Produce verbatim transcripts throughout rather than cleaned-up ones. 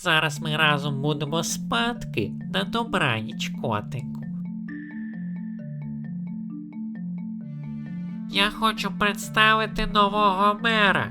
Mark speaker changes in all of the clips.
Speaker 1: Зараз ми разом будемо спадки. На добраніч, котику. Я хочу представити нового мера.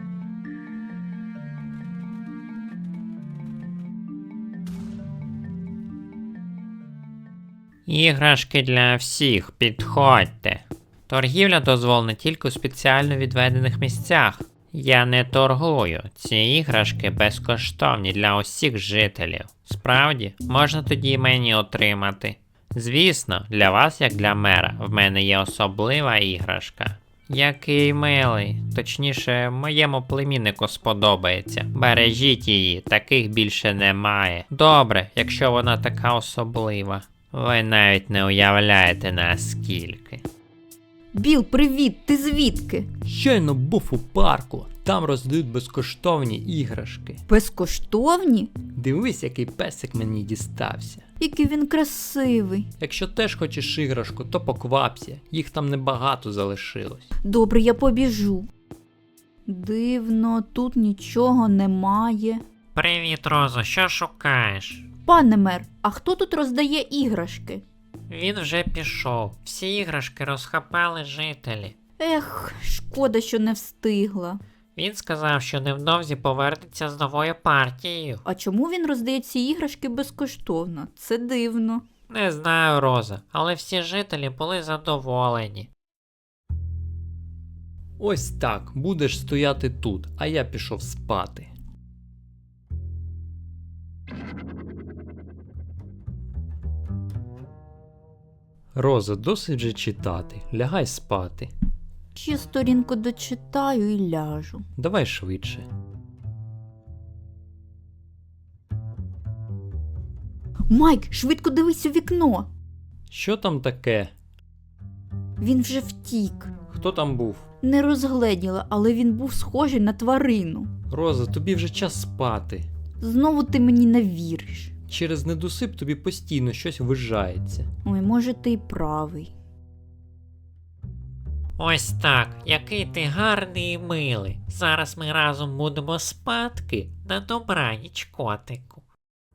Speaker 1: Іграшки для всіх, підходьте. Торгівля дозволена тільки у спеціально відведених місцях. Я не торгую, ці іграшки безкоштовні для усіх жителів. Справді, можна тоді мені отримати. Звісно, для вас, як для мера, в мене є особлива іграшка. Який милий, точніше, моєму племіннику сподобається. Бережіть її, таких більше немає. Добре, якщо вона така особлива. Ви навіть не уявляєте наскільки.
Speaker 2: Біл, привіт, ти звідки?
Speaker 3: Щойно був у парку, там роздають безкоштовні іграшки.
Speaker 2: Безкоштовні?
Speaker 3: Дивись, який песик мені дістався.
Speaker 2: Який він красивий.
Speaker 3: Якщо теж хочеш іграшку, то поквапся, їх там небагато залишилось.
Speaker 2: Добре, я побіжу. Дивно, тут нічого немає.
Speaker 1: Привіт, Розо, що шукаєш?
Speaker 2: Пане мер, а хто тут роздає іграшки?
Speaker 1: Він вже пішов. Всі іграшки розхапали жителі.
Speaker 2: Ех, шкода, що не встигла.
Speaker 1: Він сказав, що невдовзі повернеться з новою партією.
Speaker 2: А чому він роздає ці іграшки безкоштовно? Це дивно.
Speaker 1: Не знаю, Роза, але всі жителі були задоволені.
Speaker 3: Ось так, будеш стояти тут, а я пішов спати. Роза, досить же читати, лягай спати.
Speaker 2: Ще сторінку дочитаю і ляжу.
Speaker 3: Давай швидше.
Speaker 2: Майк, швидко дивись у вікно.
Speaker 3: Що там таке?
Speaker 2: Він вже втік.
Speaker 3: Хто там був?
Speaker 2: Не розгледіла, але він був схожий на тварину.
Speaker 3: Роза, тобі вже час спати.
Speaker 2: Знову ти мені не віриш.
Speaker 3: Через недосип тобі постійно щось вижається.
Speaker 2: Ой, може ти й правий.
Speaker 1: Ось так, який ти гарний і милий. Зараз ми разом будемо спадки. На добраніч, котику.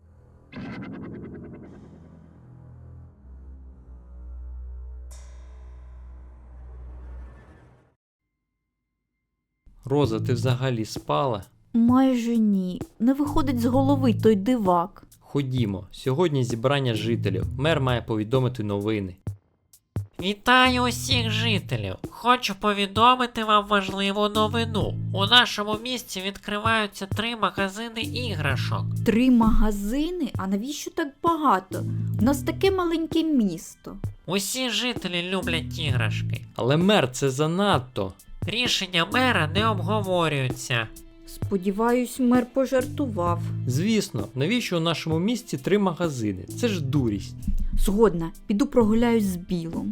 Speaker 3: Роза, ти взагалі спала?
Speaker 2: Майже ні. Не виходить з голови той дивак.
Speaker 3: Ходімо, сьогодні зібрання жителів. Мер має повідомити новини.
Speaker 1: Вітаю усіх жителів! Хочу повідомити вам важливу новину. У нашому місті відкриваються три магазини іграшок.
Speaker 2: Три магазини? А навіщо так багато? У нас таке маленьке місто.
Speaker 1: Усі жителі люблять іграшки.
Speaker 3: Але мер, це занадто.
Speaker 1: Рішення мера не обговорюються.
Speaker 2: Сподіваюсь, мер пожартував.
Speaker 3: Звісно, навіщо у нашому місті три магазини? Це ж дурість.
Speaker 2: Згодна, піду прогуляюсь з Білом.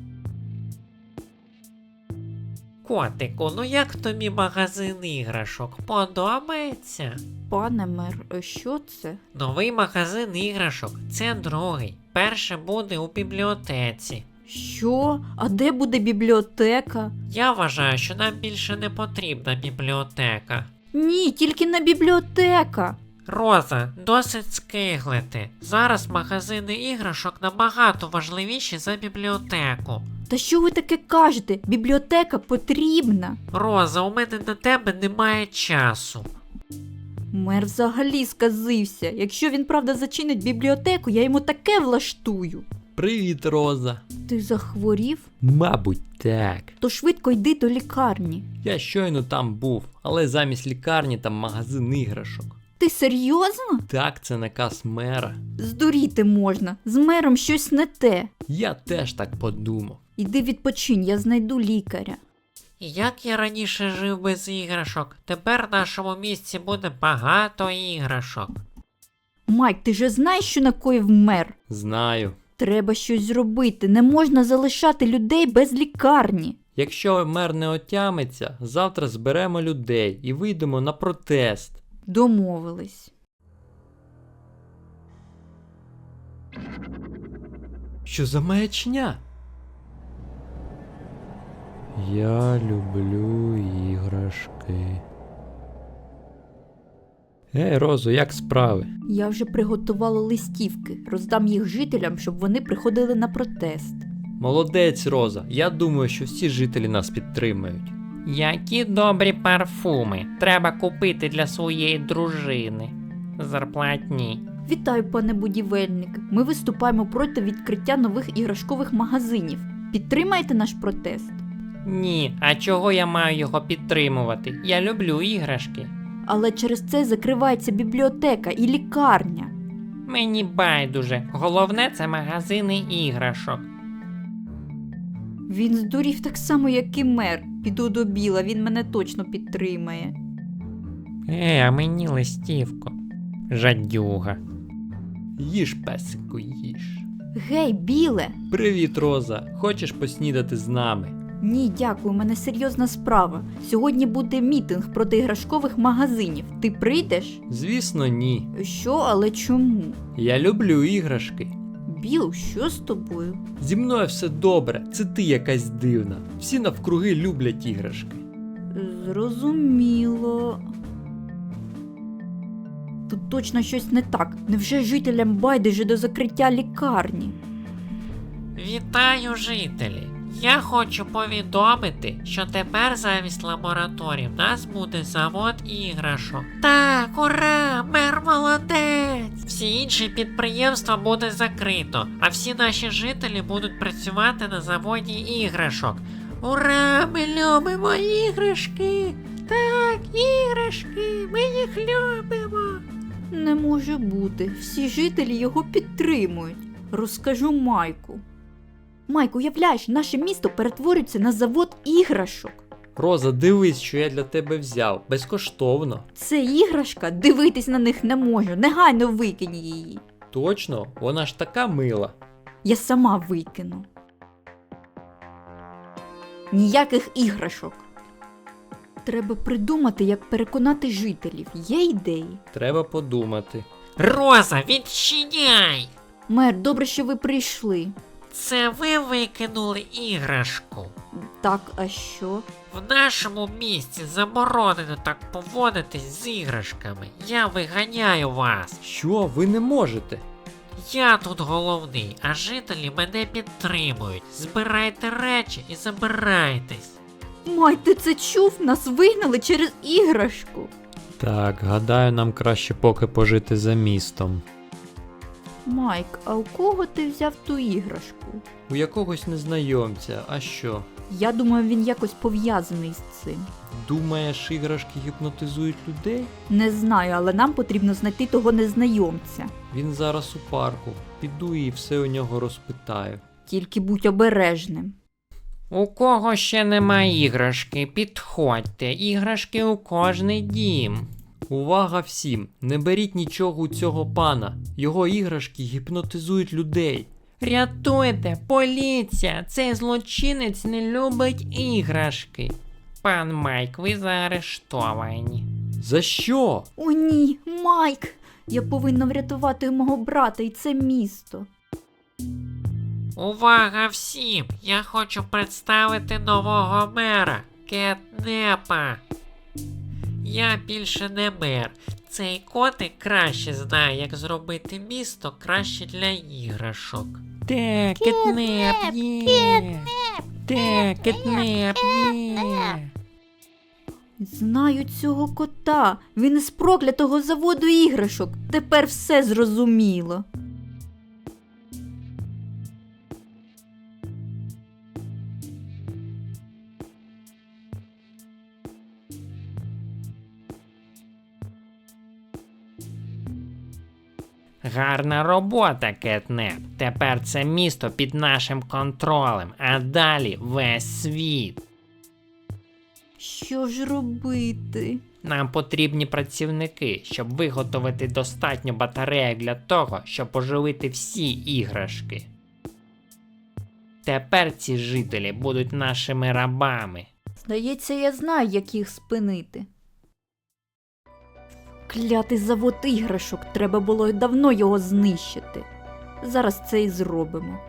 Speaker 1: Котику, ну як тобі магазин іграшок? Подобається?
Speaker 2: Пане мер, що це?
Speaker 1: Новий магазин іграшок. Це другий. Перший буде у бібліотеці.
Speaker 2: Що? А де буде бібліотека?
Speaker 1: Я вважаю, що нам більше не потрібна бібліотека.
Speaker 2: Ні, тільки не бібліотека.
Speaker 1: Роза, досить скиглити. Зараз магазини іграшок набагато важливіші за бібліотеку.
Speaker 2: Та що ви таке кажете? Бібліотека потрібна.
Speaker 1: Роза, у мене на тебе немає часу.
Speaker 2: Мер взагалі сказився. Якщо він правда зачинить бібліотеку, я йому таке влаштую.
Speaker 3: Привіт, Роза.
Speaker 2: Ти захворів?
Speaker 3: Мабуть, так.
Speaker 2: То швидко йди до лікарні.
Speaker 3: Я щойно там був, але замість лікарні там магазин іграшок.
Speaker 2: Ти серйозно?
Speaker 3: Так, це наказ мера.
Speaker 2: Здуріти можна. З мером щось не те.
Speaker 3: Я теж так подумав.
Speaker 2: Іди відпочинь, я знайду лікаря.
Speaker 1: Як я раніше жив без іграшок, тепер в нашому місті буде багато іграшок.
Speaker 2: Майк, ти же знаєш, що накоїв мер?
Speaker 3: Знаю.
Speaker 2: Треба щось зробити. Не можна залишати людей без лікарні.
Speaker 3: Якщо мер не отямиться, завтра зберемо людей і вийдемо на протест.
Speaker 2: Домовились.
Speaker 3: Що за маячня? Я люблю іграшки. Ей, Розо, як справи?
Speaker 2: Я вже приготувала листівки, роздам їх жителям, щоб вони приходили на протест.
Speaker 3: Молодець, Роза. Я думаю, що всі жителі нас підтримають.
Speaker 1: Які добрі парфуми треба купити для своєї дружини. Зарплатні.
Speaker 2: Вітаю, пане будівельник. Ми виступаємо проти відкриття нових іграшкових магазинів. Підтримаєте наш протест?
Speaker 1: Ні, а чого я маю його підтримувати? Я люблю іграшки.
Speaker 2: Але через це закривається бібліотека і лікарня.
Speaker 1: Мені байдуже. Головне це магазини іграшок.
Speaker 2: Він здурів так само, як і мер. Піду до Біла, він мене точно підтримає.
Speaker 1: Е, а мені листівку. Жадюга.
Speaker 3: Їж, песику, їж.
Speaker 2: Гей, Біле!
Speaker 3: Привіт, Роза. Хочеш поснідати з нами?
Speaker 2: Ні, дякую, у мене серйозна справа. Сьогодні буде мітинг проти іграшкових магазинів. Ти прийдеш?
Speaker 3: Звісно, ні.
Speaker 2: Що, але чому?
Speaker 3: Я люблю іграшки.
Speaker 2: Біл, що з тобою?
Speaker 3: Зі мною все добре, це ти якась дивна. Всі навкруги люблять іграшки.
Speaker 2: Зрозуміло. Тут точно щось не так. Невже жителям байдуже до закриття лікарні?
Speaker 1: Вітаю, жителі! Я хочу повідомити, що тепер замість лабораторій в нас буде завод іграшок. Так, ура! Мер молодець! Всі інші підприємства буде закрито, а всі наші жителі будуть працювати на заводі іграшок. Ура! Ми любимо іграшки! Так, іграшки! Ми їх любимо!
Speaker 2: Не може бути. Всі жителі його підтримують. Розкажу Майку. Майку, уявляєш, наше місто перетворюється на завод іграшок.
Speaker 3: Роза, дивись, що я для тебе взяв. Безкоштовно.
Speaker 2: Це іграшка, дивитись на них не можу. Негайно викинь її.
Speaker 3: Точно? Вона ж така мила.
Speaker 2: Я сама викину. Ніяких іграшок. Треба придумати, як переконати жителів. Є ідеї?
Speaker 3: Треба подумати.
Speaker 1: Роза, відчиняй!
Speaker 2: Мер, добре, що ви прийшли.
Speaker 1: Це ви викинули іграшку.
Speaker 2: Так, а що?
Speaker 1: В нашому місті заборонено так поводитись з іграшками. Я виганяю вас.
Speaker 3: Що? Ви не можете?
Speaker 1: Я тут головний, а жителі мене підтримують. Збирайте речі і забирайтесь.
Speaker 2: Май, ти це чув? Нас вигнали через іграшку.
Speaker 3: Так, гадаю, нам краще поки пожити за містом.
Speaker 2: Майк, а у кого ти взяв ту іграшку?
Speaker 3: У якогось незнайомця, а що?
Speaker 2: Я думаю, він якось пов'язаний з цим.
Speaker 3: Думаєш, іграшки гіпнотизують людей?
Speaker 2: Не знаю, але нам потрібно знайти того незнайомця.
Speaker 3: Він зараз у парку. Піду і все у нього розпитаю.
Speaker 2: Тільки будь обережним.
Speaker 1: У кого ще нема іграшки, підходьте, іграшки у кожний дім.
Speaker 3: Увага всім! Не беріть нічого у цього пана. Його іграшки гіпнотизують людей.
Speaker 1: Рятуйте, поліція, цей злочинець не любить іграшки. Пан Майк, ви заарештовані.
Speaker 3: За що?
Speaker 2: О ні, Майк! Я повинна врятувати мого брата і це місто.
Speaker 1: Увага всім! Я хочу представити нового мера, Кетнепа. Я більше не мер. Цей котик краще знає, як зробити місто краще для іграшок. Те, кетнеп є! Те, кетнеп є!
Speaker 2: Знаю цього кота. Він із проклятого заводу іграшок. Тепер все зрозуміло.
Speaker 1: Гарна робота, Кетнеп. Тепер це місто під нашим контролем, а далі весь світ.
Speaker 2: Що ж робити?
Speaker 1: Нам потрібні працівники, щоб виготовити достатньо батарейок для того, щоб оживити всі іграшки. Тепер ці жителі будуть нашими рабами.
Speaker 2: Здається, я знаю, як їх спинити. Клятий завод іграшок, треба було давно його знищити. Зараз це і зробимо.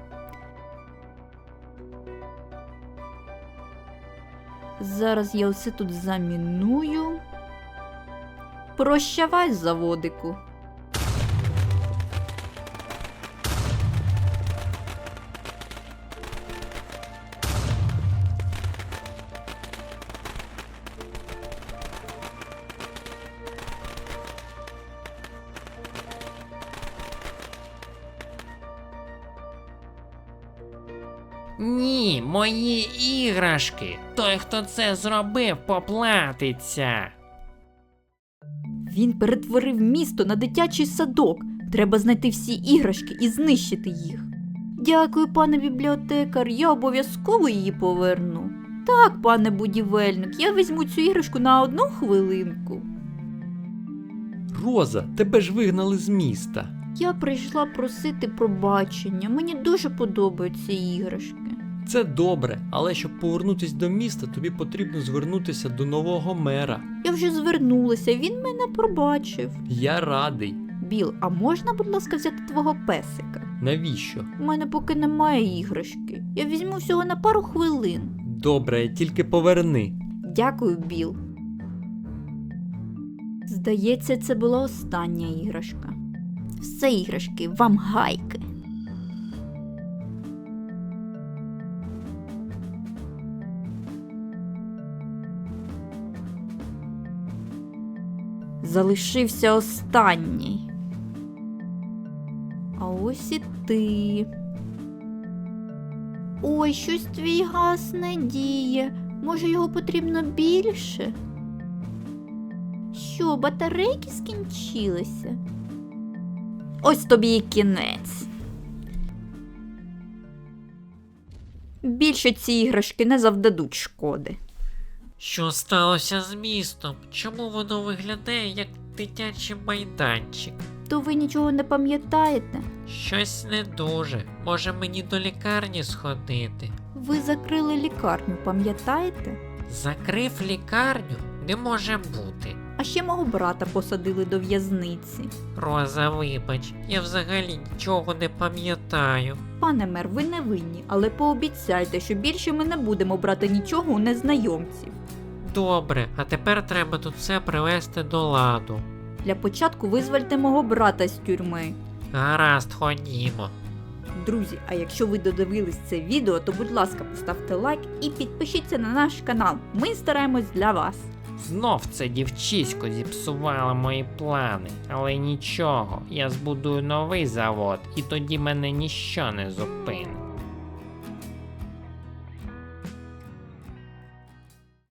Speaker 2: Зараз я все тут заміную. Прощавай, заводику.
Speaker 1: Ні, мої іграшки. Той, хто це зробив, поплатиться.
Speaker 2: Він перетворив місто на дитячий садок. Треба знайти всі іграшки і знищити їх. Дякую, пане бібліотекар, я обов'язково її поверну. Так, пане будівельник, я візьму цю іграшку на одну хвилинку.
Speaker 3: Роза, тебе ж вигнали з міста.
Speaker 2: Я прийшла просити пробачення. Мені дуже подобаються іграшки.
Speaker 3: Це добре, але щоб повернутися до міста, тобі потрібно звернутися до нового мера.
Speaker 2: Я вже звернулася, він мене пробачив.
Speaker 3: Я радий.
Speaker 2: Біл, а можна, будь ласка, взяти твого песика?
Speaker 3: Навіщо?
Speaker 2: У мене поки немає іграшки. Я візьму всього на пару хвилин.
Speaker 3: Добре, тільки поверни.
Speaker 2: Дякую, Біл. Здається, це була остання іграшка. Все іграшки, вам гайки. Залишився останній. А ось і ти. Ой, щось твій газ не діє. Може, його потрібно більше? Що, батарейки скінчилися? Ось тобі і кінець. Більше ці іграшки не завдадуть шкоди.
Speaker 1: Що сталося з містом? Чому воно виглядає як дитячий майданчик?
Speaker 2: То ви нічого не пам'ятаєте?
Speaker 1: Щось не дуже. Може мені до лікарні сходити?
Speaker 2: Ви закрили лікарню, пам'ятаєте?
Speaker 1: Закрив лікарню? Не може бути.
Speaker 2: А ще мого брата посадили до в'язниці.
Speaker 1: Роза, вибач, я взагалі нічого не пам'ятаю.
Speaker 2: Пане мер, ви не винні, але пообіцяйте, що більше ми не будемо брати нічого у незнайомців.
Speaker 1: Добре, а тепер треба тут все привести до ладу.
Speaker 2: Для початку визвольте мого брата з тюрми.
Speaker 1: Гаразд, ходімо.
Speaker 2: Друзі, а якщо ви додивились це відео, то будь ласка, поставте лайк і підпишіться на наш канал. Ми стараємось для вас.
Speaker 1: Знов це дівчисько зіпсувало мої плани, але нічого, я збудую новий завод, і тоді мене ніщо не зупинить.